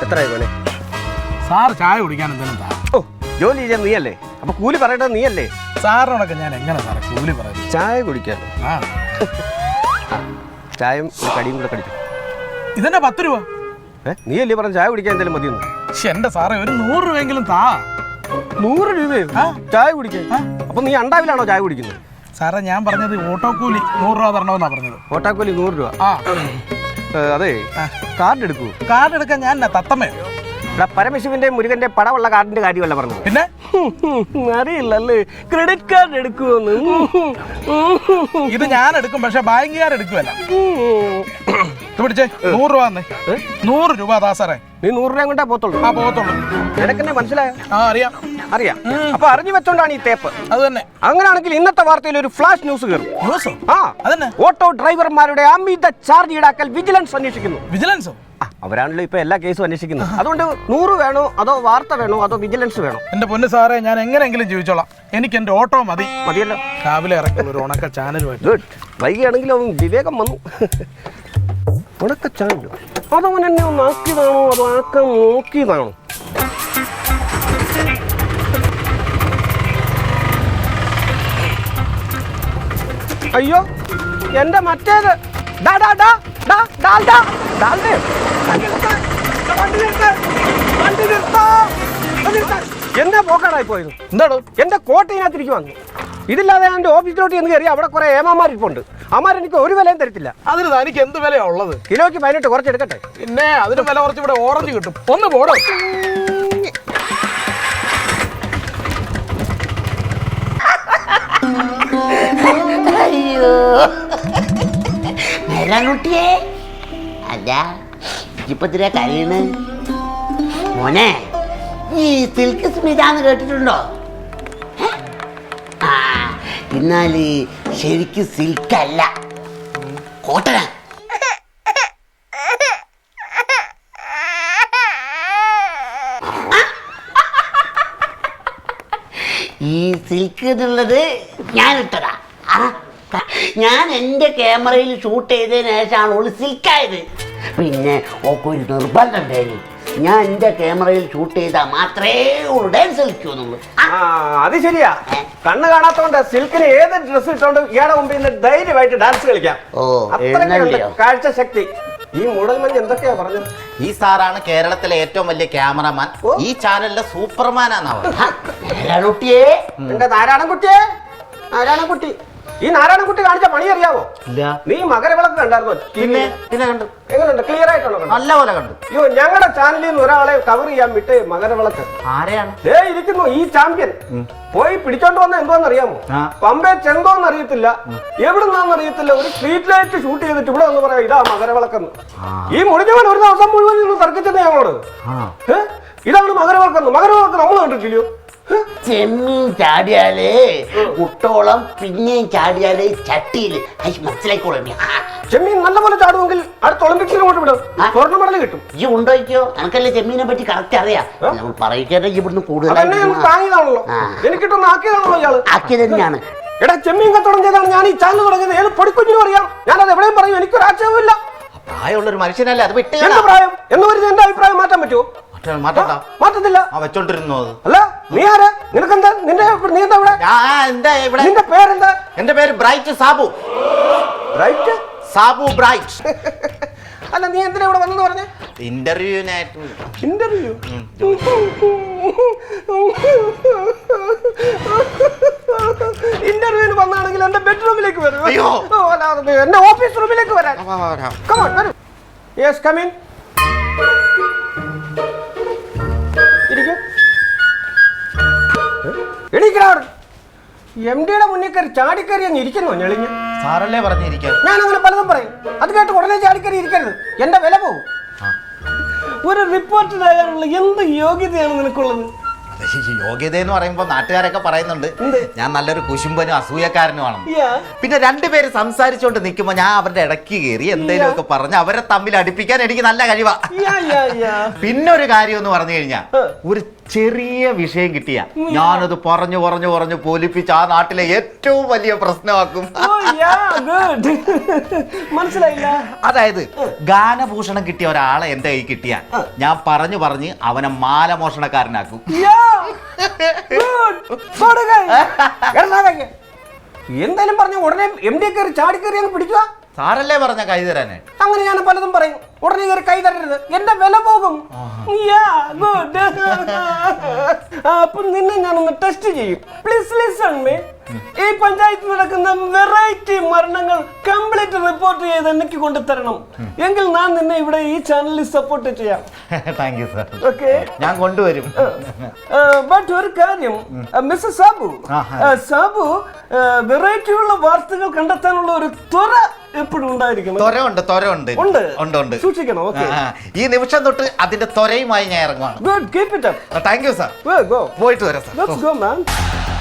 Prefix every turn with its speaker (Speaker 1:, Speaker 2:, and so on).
Speaker 1: എത്രയായി പോലെ
Speaker 2: സാർ ചായ കുടിക്കാൻ എന്തെങ്കിലും താ.
Speaker 1: ഓ ജോലി ചെയ്യാൻ നീയല്ലേ, അപ്പൊ കൂലി പറയേണ്ടത് നീയല്ലേ?
Speaker 2: സാറിനോടൊക്കെ ഞാൻ എങ്ങനെ സാറേ കൂലി പറയുന്നത്?
Speaker 1: ചായ കുടിക്കാൻ
Speaker 2: ആ
Speaker 1: ചായയും ഒരു കടിയും കൂടെ കടിക്കും.
Speaker 2: ഇതെന്നെ 10 രൂപ.
Speaker 1: നീയല്ലേ പറഞ്ഞ ചായ കുടിക്കാൻ എന്തെങ്കിലും മതിയെന്ന്?
Speaker 2: പക്ഷെ എന്റെ സാറേ ഒരു 100 രൂപയെങ്കിലും താ.
Speaker 1: 100 രൂപയോ ചായ കുടിക്കാൻ? അപ്പൊ നീ അണ്ടാവിലാണോ ചായ കുടിക്കുന്നത്?
Speaker 2: സാറേ ഞാൻ പറഞ്ഞത് ഓട്ടോ കൂലി 100 രൂപ തരണമെന്നാ പറഞ്ഞത്.
Speaker 1: ഓട്ടാക്കൂലി 100 രൂപ.
Speaker 2: ആ
Speaker 1: അതെ, കാർഡ് എടുക്കൂ.
Speaker 2: കാർഡ് എടുക്കാൻ ഞാൻ തത്തമ്മേ.
Speaker 1: പരമശിവന്റെ മുരുകന്റെ പടമുള്ള കാർഡിന്റെ കാര്യമല്ല പറഞ്ഞത്.
Speaker 2: പിന്നെ
Speaker 1: അറിയില്ലല്ലേ ക്രെഡിറ്റ് കാർഡ് എടുക്കുമെന്ന്.
Speaker 2: ഇത് ഞാൻ എടുക്കും, പക്ഷെ ബാങ്കുകാർ എടുക്കുമല്ല. പിടിച്ചേ 100 രൂപ തന്നെ. 100 രൂപ താ സാറേ.
Speaker 1: നീ 100 രൂപ കൊണ്ടേ പോത്തുള്ളൂ?
Speaker 2: ആ പോത്തുള്ളൂ.
Speaker 1: നിനക്കെന്നെ മനസ്സിലായോ?
Speaker 2: ആ അറിയാം
Speaker 1: അറിയാം. അപ്പൊ അറിഞ്ഞു വെച്ചോണ്ടാണ് ഈ തേപ്പ്.
Speaker 2: അത് തന്നെ.
Speaker 1: അങ്ങനെയാണെങ്കിൽ ഇന്നത്തെ വാർത്തയിൽ ഒരു ഫ്ലാഷ് ന്യൂസ് കയറും.
Speaker 2: ന്യൂസോ?
Speaker 1: ആ
Speaker 2: അതന്നെ.
Speaker 1: ഓട്ടോ ഡ്രൈവർമാരുടെ അമിത ചാർജ് ഈടാക്കൽ വിജിലൻസ് അന്വേഷിക്കുന്നു.
Speaker 2: വിജിലൻസോ?
Speaker 1: അവരാണല്ലോ ഇപ്പൊ എല്ലാ കേസും അന്വേഷിക്കുന്നത്. അതുകൊണ്ട് 100 വേണോ അതോ വാർത്ത വേണോ അതോ വിജിലൻസ് വേണോ?
Speaker 2: എന്റെ പൊന്ന് സാറേ ഞാൻ എങ്ങനെയെങ്കിലും ജീവിച്ചോളാം. എനിക്ക് എന്റെ ഓട്ടോ മതി.
Speaker 1: മതിയല്ലോ.
Speaker 2: രാവിലെ ഇറക്കുള്ള ഒരു ഉണക്ക ചാനലുമായിട്ട്.
Speaker 1: ഗുഡ്. വൈകിയാണെങ്കിലും അവൻ വിവേകം വന്നു. ഉണക്ക ചാനലോ? അതവൻ എന്നെ ഒന്ന് ആക്കിയതാണോ അതോ ആക്കാൻ നോക്കിയതാണോ? അയ്യോ എന്റെ മറ്റേത് എന്റെ പോക്കാടായി പോയത്.
Speaker 2: എന്താണോ?
Speaker 1: എന്റെ കോട്ടയിനകത്തിരിക്കും വന്നു. ഇതില്ലാതെ ഞാൻ എന്റെ ഓഫീസിലോട്ട് എന്ന് കയറി അവിടെ കുറെ ഏമാമാരിപ്പുണ്ട്. അമാരെനിക്ക് ഒരു വിലയും തരത്തില്ല.
Speaker 2: അതിന് തനിക്ക് എന്ത് വിലയാ ഉള്ളത്?
Speaker 1: കിലോയ്ക്ക് 18 കുറച്ചെടുക്കട്ടെ.
Speaker 2: പിന്നെ അതിന് വില കുറച്ച് ഇവിടെ ഓറഞ്ച് കിട്ടും. ഒന്ന് പോടോ.
Speaker 3: അയ്യോ മെലാനുട്ടിയേ, അല്ല ഇപ്പൊ തിരെ കരയണ് മോനെ. ഈ സിൽക്ക് സ്മിതാന്ന് കേട്ടിട്ടുണ്ടോ? ആ എന്നാല് ശരിക്കും സിൽക്കല്ല, കോട്ടന. ഈ സിൽക്ക് എന്നുള്ളത് ഞാൻ ഇട്ടതാ. ഞാൻ എൻ്റെ ക്യാമറയിൽ ഷൂട്ട് ചെയ്തതിന് ശേഷമാണ് ഓള് സിൽക്കായത്. പിന്നെ ഓക്ക് ഒരു നിർബന്ധം ഉണ്ടായിരുന്നു, ഞാൻ എൻ്റെ ക്യാമറയിൽ ഷൂട്ട് ചെയ്താൽ മാത്രമേ ഓള് ഡാൻസ് കളിക്കുന്നുള്ളൂ.
Speaker 1: അത് ശരിയാ. കണ്ണ് കാണാത്തോണ്ട് സിൽക്കിന് ഏത് ഡ്രസ് ഇട്ടോണ്ട് ഇയാളെ മുമ്പിൽ നിന്ന് ധൈര്യമായിട്ട് ഡാൻസ് കളിക്കാം. കാഴ്ച ശക്തി. ഈ മൂടൽമഞ്ഞ് എന്തൊക്കെയാ പറഞ്ഞത്?
Speaker 4: ഈ സാറാണ് കേരളത്തിലെ ഏറ്റവും വലിയ ക്യാമറമാൻ. ഈ ചാനലിലെ സൂപ്പർമാനാണ് അവർ.
Speaker 1: എന്റെ നാരായണൻകുട്ടിയെ, നാരായണൻകുട്ടി, ഈ നാരായണൻകുട്ടി കാണിച്ച പണി അറിയാവോ?
Speaker 4: ഇല്ല.
Speaker 1: നീ മകരവിളക്ക് കണ്ടായിരുന്നോ?
Speaker 4: പിന്നെ കണ്ടു.
Speaker 1: എങ്ങനെയുണ്ട്? ക്ലിയർ ആയിട്ടാണോ?
Speaker 4: നല്ല പോലെ കണ്ടു.
Speaker 1: അയ്യോ ഞങ്ങളുടെ ചാനലിൽ നിന്ന് ഒരാളെ കവർ ചെയ്യാൻ വിട്ട് മകരവിളക്ക്.
Speaker 4: ആരെയാണ്?
Speaker 1: ഇരിക്കുന്നു ഈ ചാമ്പ്യൻ. പോയി പിടിച്ചോണ്ട് വന്ന എന്തോന്ന് അറിയാമോ? പമ്പേ ചെന്തോന്ന് അറിയത്തില്ല, എവിടുന്നാന്ന് അറിയത്തില്ല. ഒരു സ്ട്രീറ്റ് ലൈറ്റ് ഷൂട്ട് ചെയ്തിട്ട് ഇവിടെ ഒന്ന് പറയാം ഇതാ മകരവിളക്കെന്ന്. ഈ മുടിഞ്ഞവൻ ഒരു ദിവസം മുഴുവൻ നിന്ന് തർക്കിച്ചത് ഞങ്ങളോട്. ഇതാണ് മകരവിളക്കെന്ന്. മകരവിളക്ക് നമ്മൾ കണ്ടിട്ടില്ലയോ?
Speaker 3: ചെമ്മീൻ ചാടിയാലേ കുട്ടോളം, പിന്നെയും ചാടിയാലേ ചട്ടിയില്. മനസ്സിലായിക്കോളെ.
Speaker 1: ചെമ്മീൻ നല്ലപോലെ ചാടുമെങ്കിൽ അടുത്ത ഒളിമ്പിക്സിന് കൊണ്ട് വിടും, സ്വർണ്ണ മെഡൽ കിട്ടും.
Speaker 3: ഈ ഉണ്ടോയ്ക്കോ? എനിക്കല്ലേ ചെമ്മീനെ പറ്റി കറക്റ്റ് അറിയാം. നമ്മൾ പറയിക്കാതെ ഇവിടുന്ന് കൂടുതൽ
Speaker 1: താങ്ങിയതാണല്ലോ, എനിക്കിട്ടൊന്ന് ആക്കിയതാണല്ലോ ഇയാള്.
Speaker 3: ആക്കിയത് തന്നെയാണ്.
Speaker 1: എടാ ചെമ്മീൻ കച്ചവടം ചെയ്താണ് ഞാൻ ഈ ചാനൽ തുടങ്ങിയത്. ഏത് പൊടിക്കുഞ്ഞിനും അറിയാം. ഞാനത് എവിടെയും പറയും, എനിക്കൊരു ആക്ഷേപമില്ല.
Speaker 4: പ്രായമുള്ളൊരു മനുഷ്യനല്ലേ, അത് വിട്ട്.
Speaker 1: എന്ത് പ്രായം എന്ന് വരുന്നത്? എന്റെ അഭിപ്രായം മാറ്റാൻ പറ്റുമോ? മാറ്റത്തില്ല.
Speaker 4: വെച്ചോണ്ടിരുന്നു.
Speaker 1: അല്ല നീ ആരാ? നിനക്കെന്താ? നീ എന്താ ഇവിടെ? നിന്റെ പേരെന്താ?
Speaker 4: എന്റെ പേര് Bright Sabu.
Speaker 1: Bright
Speaker 4: Sabu Bright.
Speaker 1: അല്ല നീ എന്തിനാ ഇവിടെ വന്നെന്ന് പറഞ്ഞേ?
Speaker 4: ഇന്റർവ്യൂവിനായിട്ട്.
Speaker 1: ഇന്റർവ്യൂ? ഇന്റർവ്യൂവിന് വന്നാണെങ്കിൽ എന്റെ ബെഡ്റൂമിലേക്ക് വരും.
Speaker 4: അയ്യോ,
Speaker 1: എന്റെ ഓഫീസ് റൂമിലേക്ക് വരാൻ. Yes come in. എംഡിയുടെ മുന്നിൽ കയറി ചാടിക്കറി അങ്ങ് ഇരിക്കുന്നു ഞെളിഞ്ഞ്.
Speaker 4: സാറല്ലേ പറഞ്ഞിരിക്കാൻ?
Speaker 1: ഞാൻ അങ്ങനെ പലതും പറയും, അത് കേട്ട് ഉടനെ ചാടിക്കറി ഇരിക്കരുത്, എന്റെ വില പോകും. ഒരു റിപ്പോർട്ടറായുള്ള എന്ത് യോഗ്യതയാണ് നിനക്കുള്ളത്?
Speaker 4: യോഗ്യത എന്ന് പറയുമ്പോ നാട്ടുകാരൊക്കെ പറയുന്നുണ്ട് ഞാൻ നല്ലൊരു കുശുമ്പനും അസൂയക്കാരനുമാണ്. പിന്നെ രണ്ടുപേര് സംസാരിച്ചോണ്ട് നിൽക്കുമ്പോ ഞാൻ അവരുടെ ഇടയ്ക്ക് കയറി എന്തെങ്കിലും ഒക്കെ പറഞ്ഞ് അവരെ തമ്മിൽ അടുപ്പിക്കാൻ എനിക്ക് നല്ല കഴിവാ. പിന്നെ ഒരു കാര്യം എന്ന് പറഞ്ഞു കഴിഞ്ഞാൽ ഒരു ചെറിയ വിഷയം കിട്ടിയ ഞാനത് പറഞ്ഞു പറഞ്ഞു പറഞ്ഞു പോലിപ്പിച്ച് ആ നാട്ടിലെ ഏറ്റവും വലിയ പ്രശ്നമാക്കും.
Speaker 1: മനസ്സിലായില്ല.
Speaker 4: അതായത് ഗാനഭൂഷണം കിട്ടിയ ഒരാളെ എന്റെ കൈ കിട്ടിയ ഞാൻ പറഞ്ഞു പറഞ്ഞ് അവനെ മാലമോഷണക്കാരനാക്കും.
Speaker 1: എന്തായാലും പറഞ്ഞ ഉടനെ MD കയറി ചാടി കയറി അങ്ങ് പിടിക്കുക.
Speaker 4: സാറല്ലേ പറഞ്ഞ കൈ തരാനായിട്ട്?
Speaker 1: അങ്ങനെ ഞാൻ പലതും പറയും. ഉടനെ കയറി കൈ തരരുത്, എന്റെ വില പോകും. അപ്പൊ നിന്നെ ഞാനൊന്ന് ടെസ്റ്റ് ചെയ്യും. Please listen me. ഈ പഞ്ചായത്തിൽ നടക്കുന്ന വെറൈറ്റി മരണങ്ങൾ കംപ്ലീറ്റ് റിപ്പോർട്ട് ചെയ്ത് എനിക്ക് കൊണ്ടുതരണം. എങ്കിൽ ഞാൻ നിന്നെ ഇവിടെ ഈ ചാനലിൽ സപ്പോർട്ട് ചെയ്യാം.
Speaker 4: Thank you sir.
Speaker 1: ഓക്കെ,
Speaker 4: ഞാൻ കൊണ്ടുവരും.
Speaker 1: ബട്ട് ഒരു കാര്യം, മിസ്റ്റർ സാബു വെറൈറ്റി ഉള്ള വാർത്തകൾ കണ്ടെത്താനുള്ള ഒരു ത്വര എപ്പോഴും ഉണ്ടായിരിക്കണം.
Speaker 4: ത്വരയുണ്ട്.
Speaker 1: സൂക്ഷിക്കണം. ഓക്കെ,
Speaker 4: ഈ നിമിഷം തൊട്ട് അതിന്റെ ത്വരയുമായി ഞാൻ ഇറങ്ങുവാണ്.
Speaker 1: Good, keep it up.
Speaker 4: Thank you sir.
Speaker 1: Go.
Speaker 4: പോയിട്ട് വരാം സാർ.
Speaker 1: Let's go, man.